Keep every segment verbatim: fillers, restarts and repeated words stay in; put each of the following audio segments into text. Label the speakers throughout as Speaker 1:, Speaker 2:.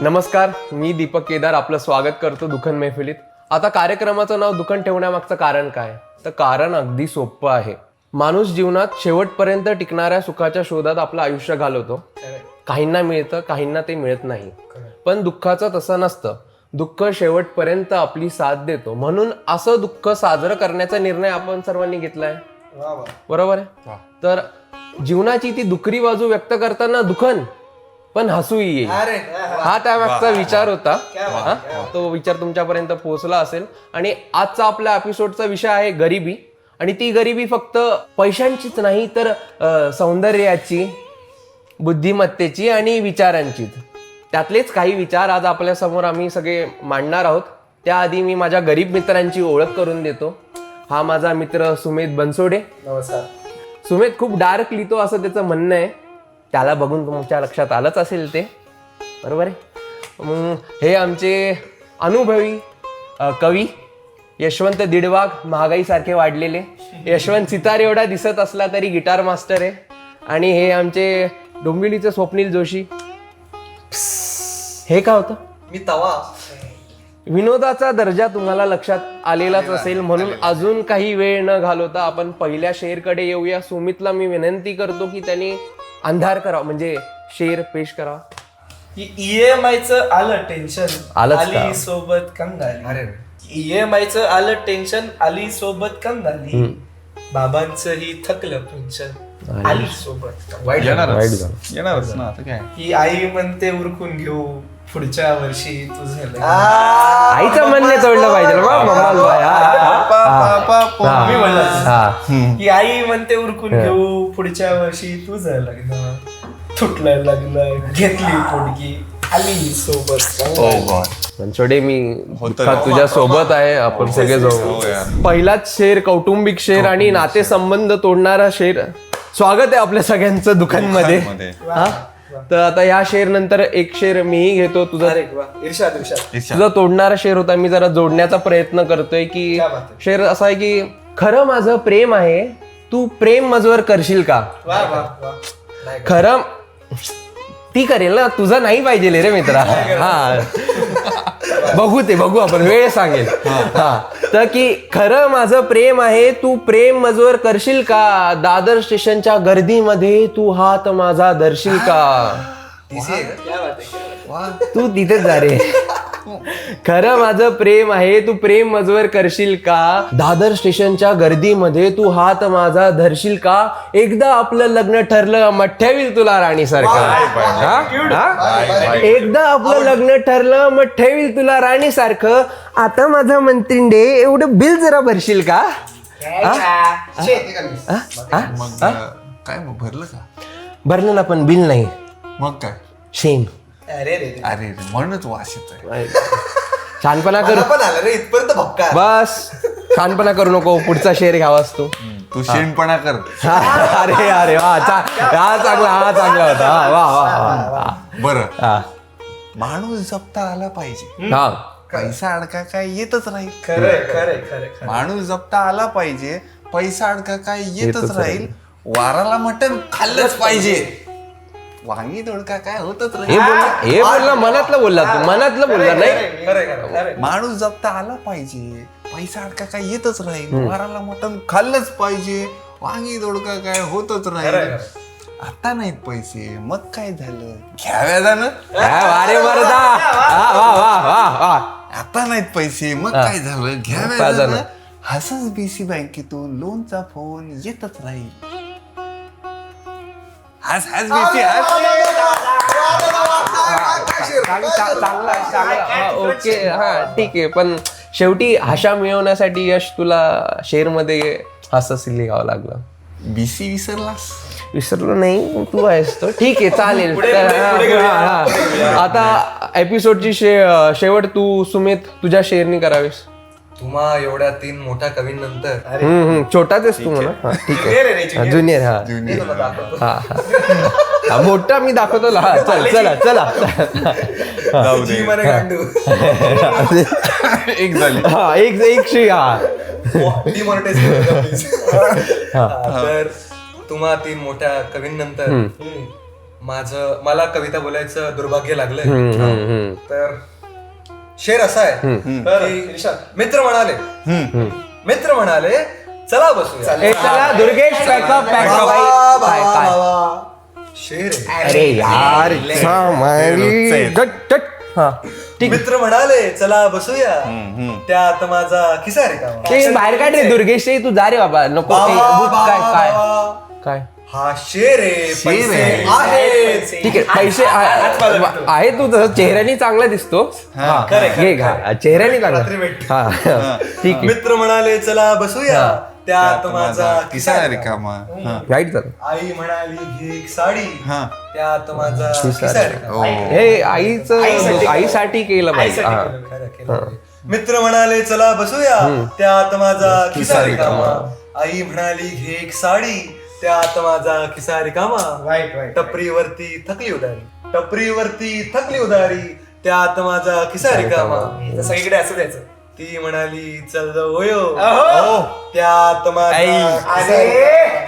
Speaker 1: नमस्कार, मी दीपक केदार आपलं स्वागत करतो दुखन मैफिलीत. आता कार्यक्रमाचं नाव दुखन ठेवण्यामागचं कारण काय? तर कारण अगदी सोपं आहे. माणूस जीवनात शेवटपर्यंत टिकणाऱ्या सुखाच्या शोधात आपलं आयुष्य घालवतो. काहींना मिळतं, काहींना ते मिळत नाही. पण दुःखाचं तसं नसतं. दुःख शेवटपर्यंत आपली साथ देतो. म्हणून असं दुःख साजरं करण्याचा निर्णय आपण सर्वांनी घेतलाय. बरोबर आहे. तर जीवनाची ती दुखरी बाजू व्यक्त करताना दुखन पण हसूही येईल, हा त्यामागचा विचार होता. तो विचार तुमच्यापर्यंत पोहोचला असेल. आणि आजचा आपल्या एपिसोडचा विषय आहे गरिबी. आणि ती गरिबी फक्त पैशांचीच नाही, तर सौंदर्याची, बुद्धिमत्तेची आणि विचारांचीच. त्यातलेच काही विचार आज आपल्या समोर आम्ही सगळे मांडणार आहोत. त्याआधी मी माझ्या गरीब मित्रांची ओळख करून देतो. हा माझा मित्र सुमेध बनसोडे.
Speaker 2: नमस्कार.
Speaker 1: सुमेध खूप डार्क लिहितो असं त्याचं म्हणणं आहे. त्याला बघून तुमच्या लक्षात आलंच असेल ते, बरोबर आहे. हे आमचे अनुभवी कवी यशवंत दीडवाघ, महागाईसारखे वाढलेले. यशवंत सितार एवढा दिसत असला तरी गिटार मास्टर आहे. आणि हे आमचे डोंबिवलीचे स्वप्नील जोशी. हे का होतं?
Speaker 2: मी तवा.
Speaker 1: विनोदाचा दर्जा तुम्हाला लक्षात आलेलाच असेल, म्हणून अजून काही वेळ न घालवता आपण पहिल्या शेरकडे येऊया. सुमितला मी विनंती करतो की त्यांनी अंधार करावा, म्हणजे शेर पेश करावा.
Speaker 2: ईएमआय च आलं टेन्शन, आली सोबत कंगाली.
Speaker 1: अरे
Speaker 2: ईएमआय च आलं टेन्शन, आली सोबत कंगाली. बाबांचं ही थकलं पेन्शन, आली सोबत.
Speaker 1: वाईट
Speaker 3: येणारच ना. आता काय,
Speaker 2: ही आई म्हणते उरकून घेऊ पुढच्या वर्षी तुझं.
Speaker 1: आईचं म्हणणे तोडलं पाहिजे.
Speaker 2: ही आई म्हणते उरकून घेऊ पुढच्या वर्षी तुझं लग्न. तुटलं लग्न, घेतली पोटगी, आली सोबत.
Speaker 1: बनसोडे, मी तुझ्या सोबत आहे. आपण सगळे जाऊ. पहिलाच शेर कौटुंबिक शेर आणि नातेसंबंध तोडणारा शेर. स्वागत आहे आपल्या सगळ्यांचं दुकानमध्ये. तर आता या शेर नंतर एक शेर मीही घेतो. तुझा तुझा तोडणारा शेर होता. मी जरा जोडण्याचा प्रयत्न करतोय की शेर असा आहे की खरं माझं प्रेम आहे, तू प्रेम मजवर करशील का? खरं ती करेल ना, तुझं नाही पाहिजे रे मित्रा. हा बघू ते बघू आपण, वेळ सांगेल. हा तर की खरं माझं प्रेम आहे, तू प्रेम मजवर करशील का? दादर स्टेशनच्या गर्दीमध्ये तू हात माझा धरशील का? तू तिथेच जा रे. खरं माझं प्रेम आहे, तू प्रेम मजवर करशील का? दादर स्टेशनच्या गर्दीमध्ये तू हात माझा धरशील का? एकदा आपलं लग्न ठरलं, मग ठेवील तुला राणी सारखं. एकदा आपलं लग्न ठरलं, मग ठेवील तुला राणी सारखं. आता माझा मंत्रिंडे एवढं बिल जरा भरशील का?
Speaker 3: मग काय मग भरलं का?
Speaker 1: भरलं ना, पण बिल नाही.
Speaker 3: मग काय?
Speaker 1: शेम.
Speaker 2: अरे रे
Speaker 3: अरे म्हणूनच वास येतोय.
Speaker 1: छानपणा करू बस. छानपणा करू नको. पुढचा शेर घ्यावास तू.
Speaker 3: तू शेणपणा कर.
Speaker 1: अरे अरे वा, हा चांगला, हा चांगला होता. वा वा.
Speaker 3: बरं, माणूस जपता आला पाहिजे,
Speaker 1: हा.
Speaker 3: पैसा अडका काय येतच राहील.
Speaker 2: खरंय खरंय खरंय.
Speaker 3: माणूस जपता आला पाहिजे, पैसा अडका काय येतच राहील. वाराला मटण खाल्लंच पाहिजे, वांगी दोडका काय होतच
Speaker 1: हे बोलला, हे बोलला मनातलं बोलला तू, मनातलं बोलला नाही.
Speaker 3: माणूस जपता आला पाहिजे, पैसा अडका काय येतच राहील. वाराला मटण खाल्लंच पाहिजे, वांगी दोडका काय होतच राहील. आता नाहीत पैसे, मग काय झालं? घ्याव्या जाणं.
Speaker 1: वारे मरदा. वा वा वा.
Speaker 3: आता नाहीत पैसे, मग काय झालं? घ्याव्या जाणं. हसच बीसी बँकेतून लोनचा फोन येतच राहील. हस हस बीसी हस.
Speaker 1: ओके, हा ठीक आहे. पण शेवटी आशा मिळवण्यासाठी यश तुला शेर मध्ये हसच लिहावं लागलं.
Speaker 3: बीसी विसरलास?
Speaker 1: विसरलो नाही, तू आहेस तो. ठीक आहे, चालेल. आता एपिसोडची शे शेवट तू सुमित तुझ्या शेरनी करावीस.
Speaker 4: तुम्हा एवढ्या तीन मोठ्या कवींनंतर
Speaker 1: हम्म छोटाच आहेस तू म्हणा. ठीक आहे, ज्युनियर. हा हा हा मोठा मी दाखवतो. हा चल चला चला.
Speaker 3: एक झाली.
Speaker 1: हा एक एक श्री. हा
Speaker 4: तर तुम्हा तीन मोठ्या कवींनंतर माझं मला कविता बोलायचं दुर्भाग्य लागलंय
Speaker 1: हम्म, हम्म, हम्म.
Speaker 4: तर शेर असा आहे
Speaker 2: तर
Speaker 4: की
Speaker 2: इर्शाद.
Speaker 4: मित्र म्हणाले मित्र म्हणाले चला बसूया
Speaker 1: ए, चला दुर्गेश पॅकअप पॅकअप
Speaker 4: बाबा,
Speaker 1: काय काय
Speaker 4: बाबा. शेर आहे.
Speaker 1: अरे यार गट, गट. हा ठीक
Speaker 4: मित्र म्हणाले चला बसूया त्यात माझा खिसा रिकामा.
Speaker 1: ते बाहेर काढ रे दुर्गेश रे, तू जा रे बाबा नको ते
Speaker 4: बाबा,
Speaker 1: भूत काय
Speaker 4: बाबा,
Speaker 1: काय
Speaker 4: बाबा.
Speaker 1: काय
Speaker 4: हा शेर आहे
Speaker 3: शेर
Speaker 4: पैसे
Speaker 3: आहे.
Speaker 4: आहेत.
Speaker 1: ठीक आहे पैसे आहे आहे तू तसं चेहऱ्याने चांगला दिसतो हा, घे घा चेहऱ्याने
Speaker 4: रात्री
Speaker 1: चांगला
Speaker 4: भेट.
Speaker 1: हा ठीक आहे
Speaker 4: मित्र म्हणाले चला बसूया त्यात माझा
Speaker 3: किसा
Speaker 4: खिसा
Speaker 3: रिकामा हा.
Speaker 1: राईट झालं
Speaker 4: आई म्हणाली घे एक साडी
Speaker 3: हा.
Speaker 4: त्यात माझा
Speaker 1: खिसा
Speaker 4: खिसा
Speaker 1: रिकामा.
Speaker 4: रिकामा.
Speaker 1: हे आईचं
Speaker 2: आईसाठी
Speaker 1: आईसाठी केलं पाहिजे
Speaker 2: आईसाठी
Speaker 1: हा.
Speaker 2: केलं.
Speaker 4: खरं केलं. मित्र म्हणाले चला बसूया त्यात माझा खिसा रिकामा. आई म्हणाली घे एक साडी त्यात माझा खिसा रिकामा.
Speaker 2: वाईट वाईट
Speaker 4: टपरीवरती थकली उदारी टपरीवरती थकली उदारी त्यात माझा खिसा रिकामा.
Speaker 2: सगळीकडे असं द्यायचं.
Speaker 4: ती म्हणाली चल जाऊ होयो
Speaker 2: अहो.
Speaker 4: त्यात माझा खिसा
Speaker 2: अरे.
Speaker 4: रिकामा.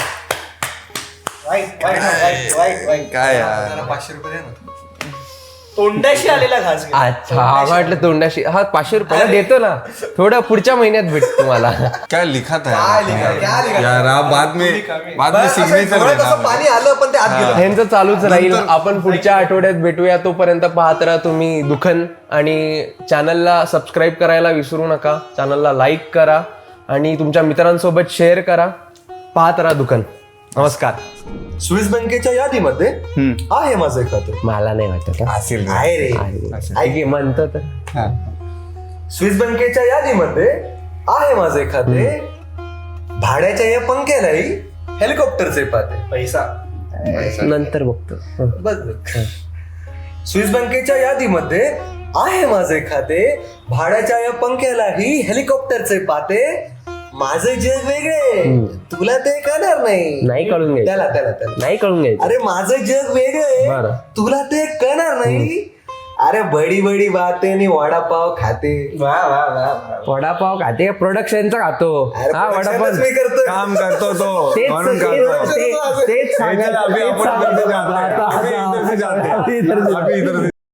Speaker 2: वाईट वाईट वाईट वाईट वाईट
Speaker 3: काय यार
Speaker 4: जरा पाचशे रुपये द्या ना.
Speaker 2: तोंडाशी आलेला घास घे.
Speaker 1: अच्छा हा वाटलं तोंडाशी हा पाचशे रुपयाला देतो ना थोडं पुढच्या महिन्यात भेटतो तुम्हाला
Speaker 3: काय लिखत
Speaker 4: काय लिखा-
Speaker 3: आहे
Speaker 4: काय लिखा-
Speaker 3: यार हा बाद में बाद में
Speaker 4: बरं, असं
Speaker 3: सिग्नेचर
Speaker 4: डोळ्यात असं पाणी आलं पण ते आत गेलं.
Speaker 1: ह्यांचं चालूच राहील आपण पुढच्या आठवड्यात भेटूया तोपर्यंत पाहत राहा तुम्ही दुखन आणि चॅनलला सबस्क्राईब करायला विसरू नका चॅनलला लाईक करा आणि तुमच्या मित्रांसोबत शेअर करा पाहत राहा दुखन नमस्कार
Speaker 4: स्विस बँकेच्या यादीमध्ये आहे माझे खाते
Speaker 1: मला नाही वाटत हा.
Speaker 3: असेल
Speaker 4: आहे रे
Speaker 1: आहे. ठीक आहे, म्हणतो तर
Speaker 3: हा.
Speaker 4: स्विस बँकेच्या यादीमध्ये आहे माझे खाते भाड्याच्या या पंख्यालाही हेलिकॉप्टरचे पाते
Speaker 2: पैसा
Speaker 1: नंतर बघतो हं.
Speaker 4: बघ बघ. स्विस बँकेच्या यादीमध्ये आहे माझे खाते भाड्याच्या या पंख्यालाही हेलिकॉप्टरचे पाते माझे जग वेगळे तुला ते कळणार नाही
Speaker 1: नाही कळून घ्यायचं
Speaker 4: त्याला त्याला त्याला
Speaker 1: नाही कळून घ्यायचं
Speaker 4: अरे माझं जग वेगळे
Speaker 1: बरं.
Speaker 4: तुला ते कळणार नाही अरे बडी बडी बाते नि वडापाव खाते
Speaker 2: वा वा वा वा.
Speaker 1: वडापाव खाते प्रोडक्शनचा खातो
Speaker 4: अरे
Speaker 1: हा
Speaker 4: productionच
Speaker 1: वडापाव
Speaker 4: मी करतोय
Speaker 3: काम करतो तो
Speaker 1: तेच
Speaker 3: म्हणून
Speaker 1: तेच-
Speaker 3: करतो
Speaker 1: तेच- तेच सांगायचं-
Speaker 3: अभी
Speaker 1: तेच
Speaker 3: आपण
Speaker 1: सांगायचं.
Speaker 3: करते जाते.
Speaker 1: आता-
Speaker 3: अभी इधर से जाते.
Speaker 1: अभी इधर से
Speaker 3: अभी इधर से